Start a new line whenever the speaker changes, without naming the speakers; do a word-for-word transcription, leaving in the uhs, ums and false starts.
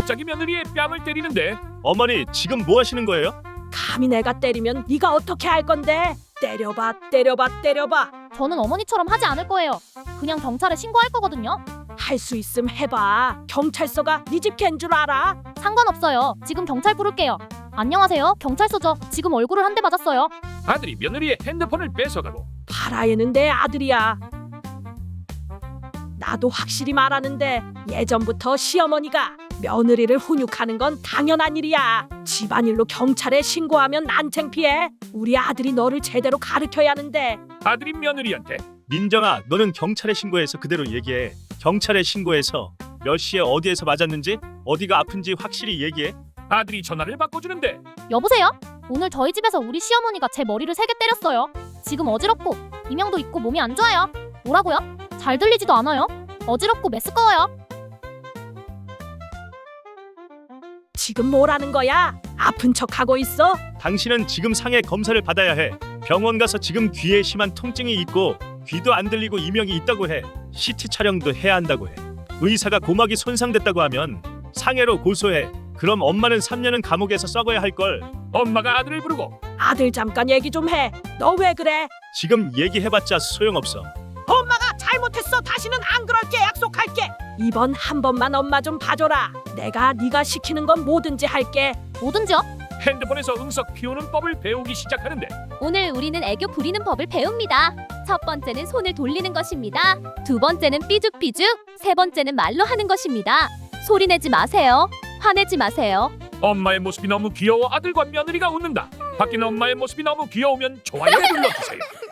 갑자기 며느리의 뺨을 때리는데
어머니 지금 뭐 하시는 거예요?
감히 내가 때리면 네가 어떻게 할 건데? 때려봐, 때려봐, 때려봐.
저는 어머니처럼 하지 않을 거예요. 그냥 경찰에 신고할 거거든요.
할 수 있음 해봐. 경찰서가 네 집 갠 줄 알아?
상관없어요. 지금 경찰 부를게요. 안녕하세요. 경찰서죠. 지금 얼굴을 한 대 맞았어요.
아들이 며느리의 핸드폰을 뺏어가고
바라에는 내 아들이야. 나도 확실히 말하는데 예전부터 시어머니가 며느리를 훈육하는 건 당연한 일이야. 집안일로 경찰에 신고하면 난 창피해. 우리 아들이 너를 제대로 가르쳐야 하는데.
아들이 며느리한테
민정아 너는 경찰에 신고해서 그대로 얘기해. 경찰에 신고해서 몇 시에 어디에서 맞았는지 어디가 아픈지 확실히 얘기해.
아들이 전화를 바꿔주는데
여보세요? 오늘 저희 집에서 우리 시어머니가 제 머리를 세 개 때렸어요. 지금 어지럽고 이명도 있고 몸이 안 좋아요. 뭐라고요? 잘 들리지도 않아요. 어지럽고 메스꺼워요.
지금 뭐라는 거야? 아픈 척하고 있어?
당신은 지금 상해 검사를 받아야 해. 병원 가서 지금 귀에 심한 통증이 있고 귀도 안 들리고 이명이 있다고 해. 씨티 촬영도 해야 한다고 해. 의사가 고막이 손상됐다고 하면 상해로 고소해. 그럼 엄마는 삼 년은 감옥에서 썩어야 할걸.
엄마가 아들을 부르고
아들 잠깐 얘기 좀 해. 너 왜 그래?
지금 얘기해봤자 소용없어.
엄마가 잘못했어. 다시는 안 그럴게. 약속할게. 이번 한 번만 엄마 좀 봐줘라. 내가 네가 시키는 건 뭐든지 할게.
뭐든지요?
핸드폰에서 응석 피우는 법을 배우기 시작하는데
오늘 우리는 애교 부리는 법을 배웁니다. 첫 번째는 손을 돌리는 것입니다. 두 번째는 삐죽삐죽, 세 번째는 말로 하는 것입니다. 소리내지 마세요. 화내지 마세요.
엄마의 모습이 너무 귀여워 아들과 며느리가 웃는다. 바뀐 엄마의 모습이 너무 귀여우면 좋아요를 눌러주세요.